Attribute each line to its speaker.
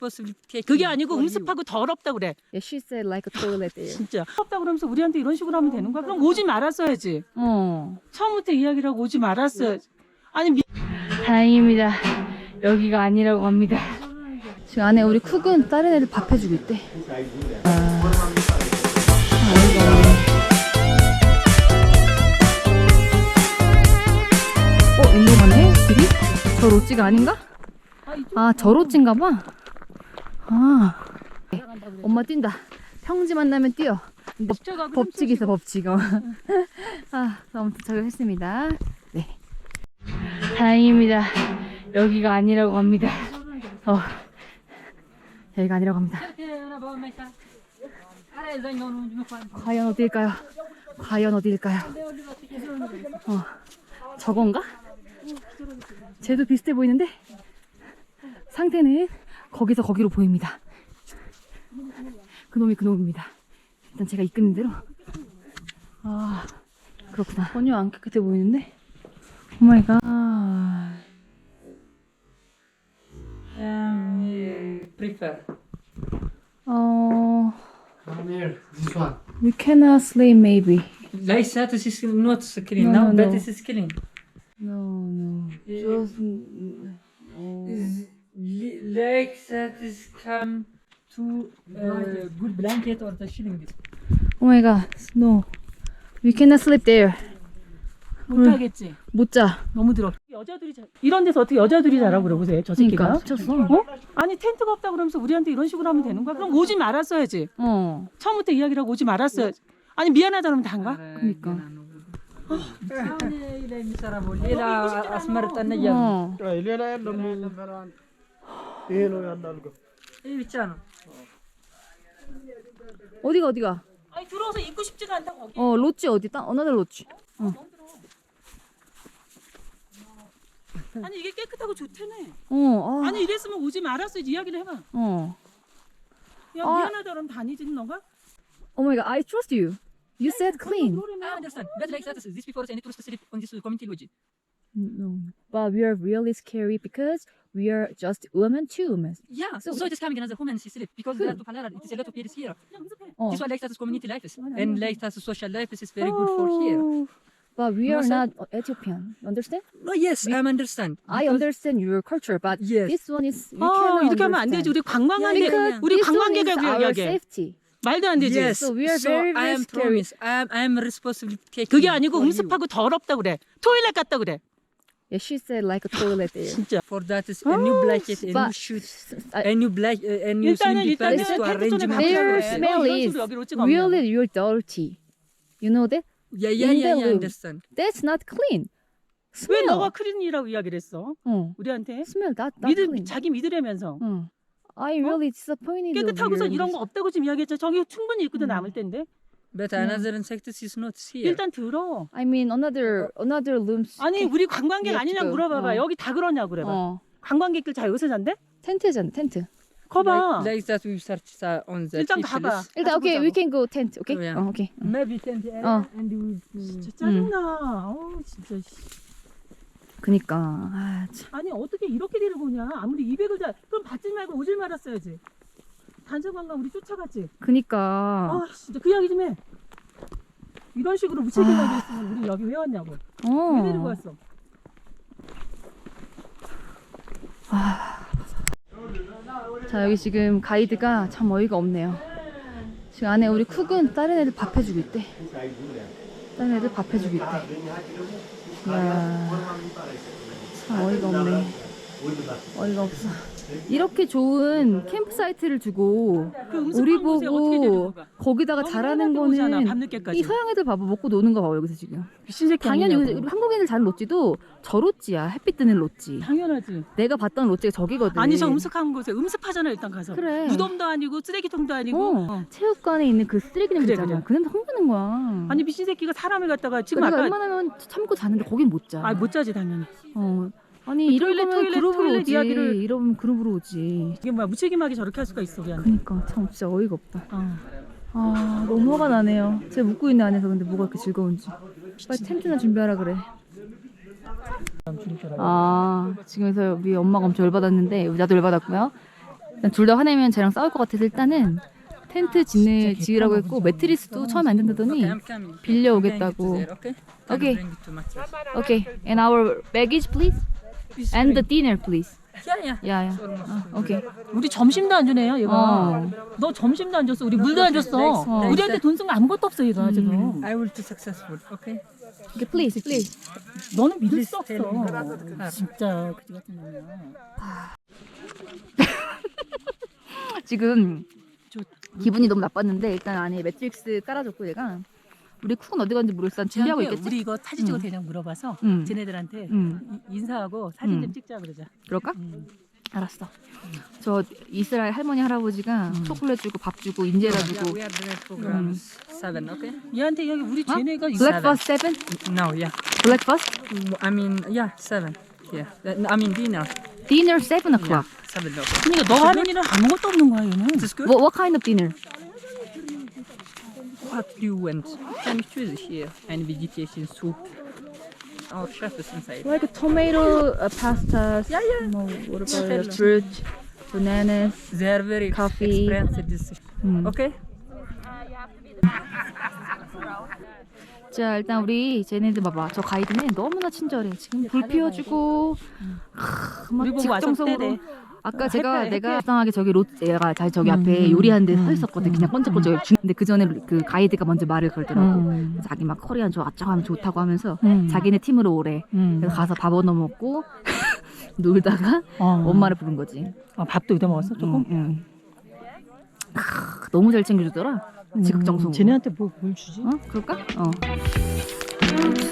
Speaker 1: responsibility. 그게 아니고 음습하고 더럽다 그래.
Speaker 2: Yeah, she said like a toilet there.
Speaker 1: 진짜. 더럽다 그러면서 우리한테 이런 식으로 하면 되는 거야? 그럼 오지 말았어야지. 처음부터 이야기를 하고 오지 말았어야지. 아니
Speaker 2: 다행입니다. 여기가 아니라고 합니다. 지금 안에 우리 쿡은 다른 애들 밥 해주고 있대. 일로 가네? 길이? 저 로찌가 아닌가? 아, 저 로찌인가 봐. 아, 엄마 뛴다. 평지 만나면 뛰어. 법칙이 있어, 법칙. 아, 아무튼 저격했습니다. 네. 다행입니다. 여기가 아니라고 합니다. 여기가 아니라고 합니다. 과연 어디일까요? 과연 어디일까요? 저건가? 쟤도 비슷해 보이는데 상태는 거기서 거기로 보입니다. 그놈이 그놈입니다. 일단 제가 이끄는 대로. 아, 그렇구나. 전혀 안 깨끗해 보이는데. 오마이갓.
Speaker 1: prefer.
Speaker 3: This one.
Speaker 2: We cannot sleep maybe.
Speaker 1: Like that is not clean.
Speaker 2: No,
Speaker 1: Now
Speaker 2: no,
Speaker 1: that
Speaker 2: no.
Speaker 1: is clean.
Speaker 2: No. Just.
Speaker 1: Like that is come to good blanket or the shilling.
Speaker 2: Oh my god. No. We cannot sleep there.
Speaker 1: 못하겠지.
Speaker 2: 못 자.
Speaker 1: 너무 더럽. 여자들이 이런 데서 어떻게 여자들이 자라고 그래 보세요. 저 새끼가.
Speaker 2: 그러니까 미쳤어.
Speaker 1: 아니 텐트가 없다 그러면서 우리한테 이런 식으로 하면 되는 거야? 그럼 오지 말았어야지. 처음부터 이야기를 하고 오지 말았어야지. 아니 미안하다면 단가?
Speaker 2: 그러니까. 어디가?
Speaker 1: 아니 들어와서 입고 싶지가 않다 거기.
Speaker 2: 로치 어디? 어나들 로치.
Speaker 1: 아니 이게 깨끗하고 좋다네.
Speaker 2: 아.
Speaker 1: 아니 이랬으면 오지 말았어야지. 이야기를 해봐. 야 미안하다 그러면 다니지 너가?
Speaker 2: Oh my god, I trust you. You said clean.
Speaker 1: I understand. But like that, this before any tourist sleep on this community lodge.
Speaker 2: No, but we are really scary because we are just women, two women.
Speaker 1: Yeah. So it is coming another woman sleep because there are two palara. It is a lot of here here. This one like that is community life and like that social life is very good for here.
Speaker 2: But we are
Speaker 1: No,
Speaker 2: not Ethiopian. You understand?
Speaker 1: Oh yes, I understand.
Speaker 2: I understand your culture, but
Speaker 1: Yes.
Speaker 2: this one is we cannot
Speaker 1: 이렇게 하면 안 되지. 우리 관광하는데
Speaker 2: Because
Speaker 1: 우리
Speaker 2: this one is
Speaker 1: 관광객을
Speaker 2: our
Speaker 1: 이야기해.
Speaker 2: safety.
Speaker 1: 말도 안 되지. Yes.
Speaker 2: So we are
Speaker 1: So
Speaker 2: very,
Speaker 1: I
Speaker 2: very
Speaker 1: am
Speaker 2: scary.
Speaker 1: promise. I am responsible. 그게 아니고 음습하고 더럽다 그래. 토일렛 같다 그래.
Speaker 2: Yeah, she said like a toilet there.
Speaker 1: 진짜. For that is a new blanket, a new
Speaker 2: but-
Speaker 1: shoes, a new a new 일단은
Speaker 2: 텐트
Speaker 1: 텐트
Speaker 2: 존에
Speaker 1: to arrange
Speaker 2: Their
Speaker 1: my
Speaker 2: smell
Speaker 1: 이런
Speaker 2: is
Speaker 1: 식으로 여기 로찌가 없냐고.
Speaker 2: really, you're dirty. You know that?
Speaker 1: Yeah,
Speaker 2: in the
Speaker 1: I
Speaker 2: room.
Speaker 1: understand.
Speaker 2: That's not clean.
Speaker 1: 왜
Speaker 2: Smell.
Speaker 1: 너가 크린이라고 이야기를 했어? 우리한테?
Speaker 2: Smell that clean.
Speaker 1: 자기 믿으려면서.
Speaker 2: I really disappointed.
Speaker 1: 깨끗하고서
Speaker 2: of you.
Speaker 1: 이런 거 없다고 지금 이야기했죠. 저기 충분히 입고도 남을 텐데.
Speaker 4: But another insect is not here.
Speaker 1: 일단 들어.
Speaker 2: I mean another rooms.
Speaker 1: 아니 우리 관광객
Speaker 2: 예,
Speaker 1: 아니냐
Speaker 2: 지금.
Speaker 1: 물어봐봐. 여기 다 그러냐고 그래봐. 관광객들 다 여기서 잔대?
Speaker 2: 텐트잖아, 텐트.
Speaker 1: 거봐.
Speaker 4: Like that we search on the
Speaker 1: 일단
Speaker 4: fish
Speaker 1: 가봐.
Speaker 4: list.
Speaker 2: 일단 오케이, we can go tent. 오케이?
Speaker 4: Oh, yeah.
Speaker 2: 오케이.
Speaker 4: Maybe tent area
Speaker 2: Oh.
Speaker 4: and we
Speaker 1: 진짜 짜증나. 어우 진짜.
Speaker 2: 그니까. 아, 참.
Speaker 1: 아니 어떻게 이렇게 데리고 오냐. 아무리 200을 다 그럼 받지 말고 오질 말았어야지. 단체관광 우리 쫓아갔지.
Speaker 2: 그니까.
Speaker 1: 아 진짜 그 이야기 좀 해. 이런 식으로 무책임하게 했으면 우리 여기 왜 왔냐고. 왜 데리고 왔어.
Speaker 2: 자, 여기 지금 가이드가 참 어이가 없네요. 지금 안에 우리 쿡은 다른 애들 밥 해주고 있대. 다른 애들 밥 해주고 있대. 이야, 참 어이가 없네. 어이가 없어. 이렇게 좋은 캠프 사이트를 두고
Speaker 1: 그 음식
Speaker 2: 우리
Speaker 1: 광고세 어떻게 데리고
Speaker 2: 보고
Speaker 1: 가?
Speaker 2: 거기다가
Speaker 1: 너무
Speaker 2: 잘하는
Speaker 1: 편하게 오잖아,
Speaker 2: 거는
Speaker 1: 밤늦게까지.
Speaker 2: 이 서양 애들 봐봐, 먹고 노는 거 봐봐 여기서 지금.
Speaker 1: 미친 새끼
Speaker 2: 당연히
Speaker 1: 아니냐고.
Speaker 2: 우리 한국인들 자는 롯지도 저 롯지야. 햇빛 뜨는 롯지.
Speaker 1: 당연하지.
Speaker 2: 내가 봤던 롯지가 저기거든.
Speaker 1: 아니 저 음습한 곳에 음습하잖아 일단 가서.
Speaker 2: 그래.
Speaker 1: 무덤도 아니고 쓰레기통도 아니고.
Speaker 2: 체육관에 있는 그 쓰레기 냄새
Speaker 1: 그래,
Speaker 2: 있잖아.
Speaker 1: 그래.
Speaker 2: 그 냄새 흥분하는 거야.
Speaker 1: 아니 미친 새끼가 사람을 갖다가 지금
Speaker 2: 우리가
Speaker 1: 아까
Speaker 2: 웬만하면 참고 자는데 거긴 못 자.
Speaker 1: 못 자지 당연히.
Speaker 2: 아니
Speaker 1: 그
Speaker 2: 이러면 그룹으로
Speaker 1: 토일렛
Speaker 2: 오지.
Speaker 1: 이야기를-
Speaker 2: 이러면 그룹으로 오지.
Speaker 1: 이게 뭐야 무책임하게 저렇게 할 수가 있어 우리한테.
Speaker 2: 그니까 참 진짜 어이가 없다. 아 너무 화가 나네요. 제가 묵고 있는 안에서 근데 뭐가 이렇게 즐거운지. 빨리 텐트나 준비하라 그래. 아 지금에서 우리 엄마가 엄청 열받았는데 나도 열받았고요. 둘 다 화내면 쟤랑 싸울 것 같아서 일단은 텐트 지으라고 했고 매트리스도 처음에 안 된다더니
Speaker 4: I'm coming.
Speaker 2: 빌려오겠다고.
Speaker 4: I'm bringing it there, okay? Can
Speaker 2: Okay.
Speaker 4: you bring it to mattress?
Speaker 2: Okay, and our baggage please,
Speaker 4: Please
Speaker 2: and the
Speaker 4: bring-
Speaker 2: dinner please.
Speaker 4: Yeah, yeah.
Speaker 2: 야야. 오케이.
Speaker 5: 우리 점심도 안 주네요, 얘가.
Speaker 2: 어.
Speaker 5: 너 점심도 안 줬어. 우리 물도 안 줬어.
Speaker 2: 어.
Speaker 5: 우리한테 돈 쓴 거 아무것도 없어, 얘가 지금.
Speaker 4: I will be successful, okay?
Speaker 2: Okay, please, please.
Speaker 5: 너는 믿을 수
Speaker 4: Please tell me
Speaker 5: 없어.
Speaker 4: what happened.
Speaker 5: 진짜 그지 같은 놈이야.
Speaker 2: 지금 기분이 너무 나빴는데 일단 안에 매트릭스 깔아줬고 얘가 우리 쿡은 어디 갔는지 모르겠어. 준비하고
Speaker 5: 쟤한테
Speaker 2: 있겠지?
Speaker 5: 우리 이거 사진 찍어도
Speaker 2: 응.
Speaker 5: 되냐고 물어봐서
Speaker 2: 응.
Speaker 5: 쟤네들한테 인사하고 사진
Speaker 2: 응.
Speaker 5: 좀 찍자 그러자.
Speaker 2: 그럴까? 알았어. 저 이스라엘 할머니 할아버지가 초콜릿 주고 밥 주고 인제라
Speaker 4: Yeah,
Speaker 2: 주고
Speaker 4: we are doing programs 7, okay?
Speaker 5: 얘한테 여기 우리
Speaker 2: 어?
Speaker 5: 쟤네가
Speaker 2: 블랙버스 7?
Speaker 4: No, yeah.
Speaker 2: 블랙버스?
Speaker 4: I mean, yeah, 7. Yeah. I mean dinner.
Speaker 2: Dinner 7 o'clock.
Speaker 4: 7 o'clock.
Speaker 5: 그러니까 너 하는 일은 아무것도 없는 거야 얘는.
Speaker 4: Is this good?
Speaker 2: What kind of dinner?
Speaker 4: What do you want? Can you choose here? And vegetation soup. Our chef is inside.
Speaker 2: Like tomato pasta. Yeah, yeah. What about fruit, bananas?
Speaker 4: They are very
Speaker 2: Coffee.
Speaker 4: experienced. This. Okay?
Speaker 2: 자 일단 우리 쟤네들 봐봐. 저 가이드는 너무나 친절해. 지금 불 피워주고 막
Speaker 5: 우리 보고 와서
Speaker 2: 직정성으로.
Speaker 5: 떼래.
Speaker 2: 아까 제가
Speaker 5: 햇볕.
Speaker 2: 내가 이상하게 저기 얘가 저기 앞에 요리하는 데 서 있었거든. 그냥 번쩍번쩍. 근데 그 전에 그 가이드가 먼저 말을 걸더라고. 자기 막 코리안 좋았죠 하면 좋다고 하면서 자기네 팀으로 오래. 그래서 가서 밥 얻어 먹고 놀다가 엄마를 부른 거지.
Speaker 5: 밥도 얻어 먹었어 조금.
Speaker 2: 너무 잘 챙겨주더라. 지극정성으로.
Speaker 5: 쟤네한테 뭘 주지?
Speaker 2: 어? 그럴까? 어.